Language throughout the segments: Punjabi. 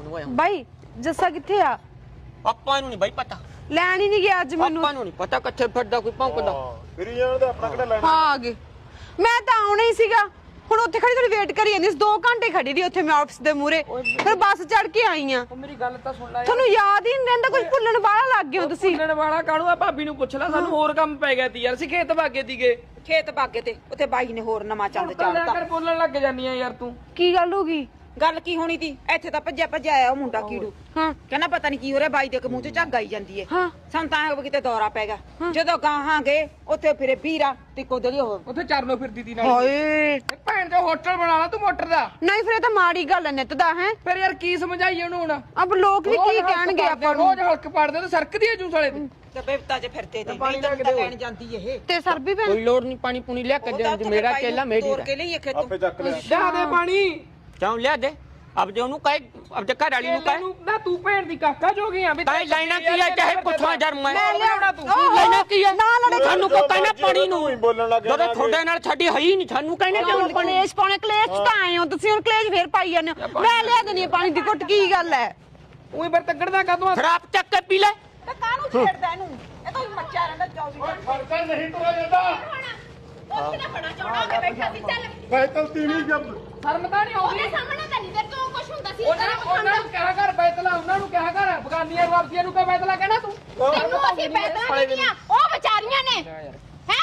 ਨੂੰ ਆਇਆ ਬਾਈ ਜੱਸਾ ਕਿੱਥੇ ਆ? ਆਪਾਂ ਨੂੰ ਨਹੀਂ ਬਾਈ ਪਤਾ, ਲੈਣ ਹੀ ਨਹੀਂ ਗਿਆ ਅੱਜ ਮੈਨੂੰ। ਆਪਾਂ ਨੂੰ ਨਹੀਂ ਪਤਾ ਕਿੱਥੇ ਫਿਰਦਾ ਕੋਈ ਭੌਂਕਦਾ। ਫਿਰ ਜਾਣ ਦਾ ਆਪਣਾ ਕਿਹੜਾ ਲੈਣਾ। ਹਾਂ ਆ ਗਏ। ਮੈਂ ਤਾਂ ਆਉਣਾ ਹੀ ਸੀਗਾ, ਹੁਣ ਉੱਥੇ ਖੜੀ ਥੋੜੀ ਵੇਟ ਕਰੀ ਜਾਂਦੀ ਸੀ। 2 ਘੰਟੇ ਖੜੀ ਰਹੀ ਉੱਥੇ ਮੈਂ ਆਫਿਸ ਦੇ ਮੂਹਰੇ, ਫਿਰ ਬੱਸ ਚੜ ਕੇ ਆਈ ਆ। ਮੇਰੀ ਗੱਲ ਤਾਂ ਸੁਣ ਲੈ। ਤੁਹਾਨੂੰ ਯਾਦ ਹੀ ਨਹੀਂ ਰਹਿੰਦਾ, ਕੁਝ ਭੁੱਲਣ ਵਾਲਾ ਲੱਗ ਗਏ ਹੋ ਤੁਸੀਂ। ਭੁੱਲਣ ਵਾਲਾ ਕਾਹਨੂੰ ਆ? ਭਾਬੀ ਨੂੰ ਪੁੱਛ ਲੈ, ਸਾਨੂੰ ਹੋਰ ਕੰਮ ਪੈ ਗਿਆ ਤੀ ਯਾਰ। ਅਸੀਂ ਖੇਤ ਭਾਗੇ ਤੀਗੇ। ਖੇਤ ਬਾਗੇ ਤੇ ਉੱਥੇ ਬਾਈ ਨੇ ਹੋਰ ਨਵਾਂ ਚੰਦ ਚਾੜਤਾ। ਕਰ ਬੋਲਣ ਲੱਗ ਜਾਨੀ ਆ ਯਾਰ ਤੂੰ। ਕੀ ਗੱਲ ਹੋ ਗਈ? ਗੱਲ ਕੀ ਹੋਣੀ ਤੀ? ਇੱਥੇ ਤਾਂ ਭੱਜਿਆ ਆਇਆ ਉਹ ਮੁੰਡਾ ਕੀੜੂ। ਹਾਂ ਕਹਿੰਦਾ ਪਤਾ ਨਹੀਂ ਕੀ ਹੋ ਰਿਹਾ, ਬਾਈ ਦੇ ਮੂੰਹ ਚ ਝੱਗ ਆਈ ਜਾਂਦੀ ਏ। ਹਾਂ ਸਾਨੂੰ ਤਾਂ ਐਂ ਕਿਤੇ ਦੌਰਾ ਪੈ ਗਿਆ। ਜਦੋਂ ਗਾਹਾਂ ਗਏ ਉੱਥੇ ਫਿਰੇ ਵੀਰਾ ਤੇ ਕੋਦਲੀ ਹੋ। ਉੱਥੇ ਚਰਨੋਂ ਫਿਰਦੀ ਤੀ ਨਾਲ। ਹਾਏ ਭੈਣ ਚੋ ਹੋਟਲ ਬਣਾ ਲਾ ਤੂੰ ਮੋਟਰ ਦਾ। ਨਹੀਂ, ਫਿਰ ਇਹ ਤਾਂ ਮਾੜੀ ਗੱਲ ਹੈ ਨਿੱਤ ਦਾ ਹੈ। ਫਿਰ ਯਾਰ ਕੀ ਸਮਝਾਈਏ ਉਹਨੂੰ ਹੁਣ? ਅਬ ਲੋਕ ਵੀ ਕੀ ਕਹਿਣਗੇ ਆਪਾਂ ਨੂੰ? ਰੋਜ਼ ਹਲਕ ਪੜਦੇ ਤੇ ਸਰਕਦੀ ਜੂ ਸਾਲੇ ਦੀ। ਤੇ ਬੇਵਤਾ ਚ ਫਿਰਦੇ ਤੇ ਪਾਣੀ ਤਾਂ ਲੈ ਕੇ ਦਿਓ। ਲੈਣ ਜਾਂਦੀ ਇਹ। ਤੇ ਸਰ ਵੀ ਭੈਣ ਕੋਈ ਲੋੜ ਨਹੀਂ ਪਾਣੀ ਪੂਣੀ ਲਿਆ ਕੇ ਦੇ, ਮੇਰਾ ਕੇਲਾ ਮੇਰੀ ਤੋੜ ਕੇ ਲਈ ਖੇਤੋਂ। ਆਪੇ ਚੱਕ ਲਿਆ। ਲਿਆ ਦੇ ਪਾਣੀ। ਕਿਉਂ ਲਿਆ ਦੇ? ਅਬ ਜੇ ਉਹਨੂੰ ਕਹੇ, ਅਬ ਜੇ ਘਰ ਵਾਲੀ ਨੂੰ ਕਹੇ ਨਾ ਤੂੰ ਭੈਣ ਦੀ ਕਾਕਾ ਜੋ ਗਿਆ ਵੀ ਤਾਂ ਲੈਣਾ ਕੀ ਹੈ, ਚਾਹੇ ਪੁੱਛਾਂ ਜਰਮ ਮੈਂ ਹੈ ਲਿਆਉਣਾ ਤੂੰ। ਲੈਣਾ ਕੀ ਹੈ? ਨਾ ਲੜੇ। ਸਾਨੂੰ ਕੋ ਕਹਿਣਾ ਪਾਣੀ ਨੂੰ ਤੂੰ ਹੀ ਬੋਲਣ ਲੱਗ ਗਿਆ ਜਦੋਂ ਤੁਹਾਡੇ ਨਾਲ ਸਾਡੀ ਹੈ ਹੀ ਨਹੀਂ, ਸਾਨੂੰ ਕਹਿਣਾ ਕਿਉਂ ਕਿਉਂ ਪਾਣੀ? ਕਲੇਸ਼ ਪਾਉਣੇ? ਕਲੇਸ਼ ਚ ਤਾਂ ਆਏ ਹੋ ਤੁਸੀਂ, ਹੁਣ ਕਲੇਸ਼ ਫੇਰ ਪਾਈ ਜਾਂਦੇ ਹੋ। ਮੈਂ ਲਿਆ ਦੇਣੀ ਹੈ ਪਾਣੀ ਦੀ ਘੁੱਟ, ਕੀ ਗੱਲ ਹੈ? ਉਹੀ ਫਿਰ ਤੱਕੜਦਾ ਕਾਦੋਂ? ਸ਼ਰਾਬ ਚੱਕ ਕੇ ਪੀ ਲੈ। ਤੇ ਕਾਹਨੂੰ ਛੇੜਦਾ ਇਹਨੂੰ? ਇਹ ਤਾਂ ਮੱਚਾ ਰਹਿੰਦਾ 24 ਫਰਕਰ ਨਹੀਂ ਤੁਰਿਆ ਜਾਂਦਾ। ਉਹ ਕਿਹੜਾ ਬੜਾ ਚੌੜਾ ਹੋ ਕੇ ਬੈਠਾ ਸੀ। ਚੱਲ ਬੈਤਲ ਤੀਵੀਂ ਜਬ ਸ਼ਰਮ ਤਾਂ ਨਹੀਂ ਆਉਂਦੀ? ਉਹਦੇ ਸਾਹਮਣੇ ਤਾਂ ਨਹੀਂ ਤੇਰੇ ਤੋਂ ਕੁਝ ਹੁੰਦਾ ਸੀ। ਉਹਨਾਂ ਨੂੰ ਕਿਹਾ ਕਰ ਬੈਤਲਾ, ਉਹਨਾਂ ਨੂੰ ਕਿਹਾ ਕਰ ਬਗਾਨੀਆਂ ਵਾਪਸੀਆਂ ਨੂੰ ਕਹ ਬੈਤਲਾ ਕਹਿਣਾ ਤੂੰ। ਤੈਨੂੰ ਅਸੀਂ ਪੈਦਾ ਨਹੀਂ ਦੀਆਂ, ਉਹ ਵਿਚਾਰੀਆਂ ਨੇ ਹੈ।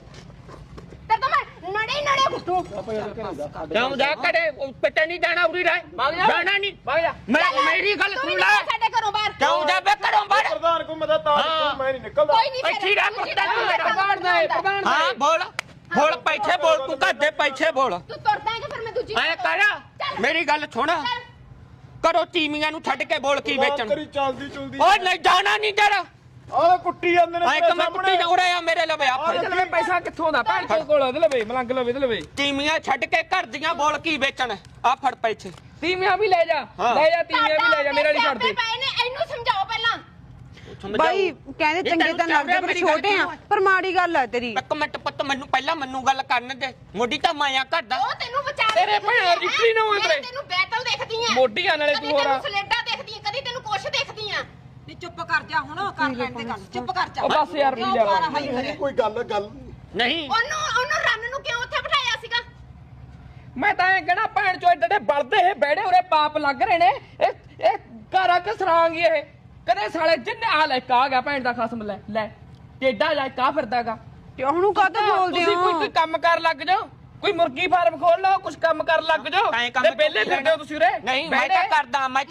ਤੇ ਤਾਂ ਮੈਂ ਨੜੇ ਗੁੱਟੂ ਕਿਉਂ ਜਾ ਕਰੇ ਪਿੱਟੇ ਨਹੀਂ ਜਾਣਾ, ਉਰੀ ਰਹਿ ਜਾਣਾ ਨਹੀਂ। ਵਗ ਜਾ। ਮੇਰੀ ਗੱਲ ਸੁਣ ਲੈ, ਸਾਡੇ ਘਰੋਂ ਬਾਹਰ ਕਿਉਂ ਜਾ ਬੇ ਘਰੋਂ ਬਾਹਰ? ਪ੍ਰਧਾਨ ਕੋ ਮਦਦ ਤਾਂ ਮੈਂ ਨਹੀਂ ਨਿਕਲਦਾ। ਕੋਈ ਨਹੀਂ ਇੱਥੇ ਰਹਿ ਪੁੱਤਾਂ ਤੂੰ ਮੇਰਾ। ਪ੍ਰਧਾਨ ਦਾ ਹੈ, ਪ੍ਰਧਾਨ ਦਾ ਹੈ। ਹਾਂ ਬੋਲ ਬੋਲ, ਪੈਸੇ ਬੋਲ, ਤੂੰ ਘਰ ਦੇ ਪੈਸੇ ਬੋਲ। ਤੂੰ ਤੁਰਦਾ ਹੈ ਕਿ ਫਿਰ ਮੈਂ ਦੂਜੀ ਐ ਕਰ, ਮੇਰੀ ਗੱਲ ਸੁਣ, ਕਰੋ ਤੀਮੀਆਂ ਨੂੰ ਛੱਡ ਕੇ ਬੋਲ ਕੀ ਵੇਚਣ। ਕਰੀ ਚੱਲਦੀ ਚੁਲਦੀ। ਓਏ ਨਹੀਂ ਜਾਣਾ ਨਹੀਂ ਜਰਾ, ਆਹ ਕੁੱਟੀ ਜਾਂਦੇ ਨੇ ਐ ਕਮੇ ਕੁੱਟੀ ਜਾ ਉਰੇ ਆ ਮੇਰੇ ਲਵੇ ਆ ਇਹਦੇ ਲਵੇ ਪੈਸਾ ਕਿੱਥੋਂ ਦਾ? ਭੈਣ ਚੋ ਕੋਲ ਇਹਦੇ ਲਵੇ ਮਲੰਗ ਲਵੇ ਇਹਦੇ ਲਵੇ। ਤੀਮੀਆਂ ਛੱਡ ਕੇ ਘਰ ਦੀਆਂ ਬੋਲ ਕੀ ਵੇਚਣ। ਆ ਫੜ ਪੈਸੇ। ਤੀਵੀਆਂ ਵੀ ਲੈ ਜਾ, ਲੈ ਜਾ ਤੀਵੀਆਂ ਵੀ ਲੈ ਜਾ, ਮੇਰਾ ਨਹੀਂ ਛੱਡਦੇ। ਪਏ ਨੇ, ਇਹਨੂੰ ਸਮਝਾਓ ਪਹਿਲਾਂ। ਬਾਈ ਕਹਿੰਦੇ ਚੰਗੇ ਤਾਂ ਲੱਗਦੇ ਪਰ ਛੋਟੇ ਆ, ਪਰ ਮਾੜੀ ਗੱਲ ਹੈ ਤੇਰੀ। ਇੱਕ ਮਿੰਟ ਪੁੱਤ, ਮੈਨੂੰ ਪਹਿਲਾਂ ਮੈਨੂੰ ਗੱਲ ਕਰਨ ਦੇ। ਮੋਢੀ ਤਾਂ ਮਾਇਆ ਘਰ ਦਾ। ਉਹ ਤੈਨੂੰ ਵਿਚਾਰ ਤੇਰੇ ਭੈਣ ਰਿਸ਼ਤੀ ਨਾ ਹੋਏ ਤੇਰੇ। ਤੈਨੂੰ ਬੈਤਲ ਦੇਖਦੀ ਆ, ਮੋਢੀਆਂ ਨਾਲੇ ਤੂੰ ਹੋਰ ਆ। ਕਦੀ ਤੈਨੂੰ ਸਲੇਡਾ ਦੇਖਦੀ ਆ, ਕਦੀ ਤੈਨੂੰ ਕੁਛ ਦੇਖਦੀ ਆ। ਨਹੀਂ ਚੁੱਪ ਕਰ ਜਾ ਹੁਣ, ਕਰ ਲੈਣ ਦੇ ਗੱਲ। ਚੁੱਪ ਕਰ ਜਾ। ਉਹ ਬਸ ਯਾਰ ਪੀ ਜਾ। ਕੋਈ ਗੱਲ ਨਹੀਂ ਉਹਨੂੰ ਰੰਨ ਨੂੰ ਕਿਉਂ ਉੱਥੇ ਬਿਠਾਇਆ ਸੀਗਾ? ਮੈਂ ਤਾਂ ਇਹ ਕਹਿਣਾ ਭੈਣ ਚੋ ਏਡੇ ਬਲਦੇ ਇਹ ਬੈੜੇ ਉਰੇ ਪਾਪ ਲੱਗ ਰਹੇ ਨੇ। ਇਹ ਘਰਾਂ ਕਿ ਸਰਾਂਗੀ ਇਹ ਕਦੇ ਸਾਲੇ ਜਿੰਨੇ ਆ ਲੈ ਕਾ ਗਿਆ ਭੈਣ ਦਾ ਖਸਮ ਲੈ ਲੈ ਟੇਡਾ ਜਾ ਕਾ ਫਿਰਦਾਗਾ। ਤੇ ਉਹਨੂੰ ਕਾਹਤੋਂ ਬੋਲਦੇ ਤੁਸੀਂ ਹੋ? ਕੋਈ ਕੰਮ ਕਰ ਲੱਗ ਜਾਓ, ਕੋਈ ਮੁਰਗੀ ਫਾਰਮ ਖੋਲ ਲਓ, ਕੁਝ ਕੰਮ ਕਰ ਲੱਗ ਜਾਓ। ਐਂ ਕੰਮ ਤੇ ਪਹਿਲੇ ਫਿਰਦੇ ਹੋ ਤੁਸੀਂ ਉਰੇ। ਨਹੀਂ, ਮੈਂ ਤਾਂ ਕਰਦਾ, ਮੈਂ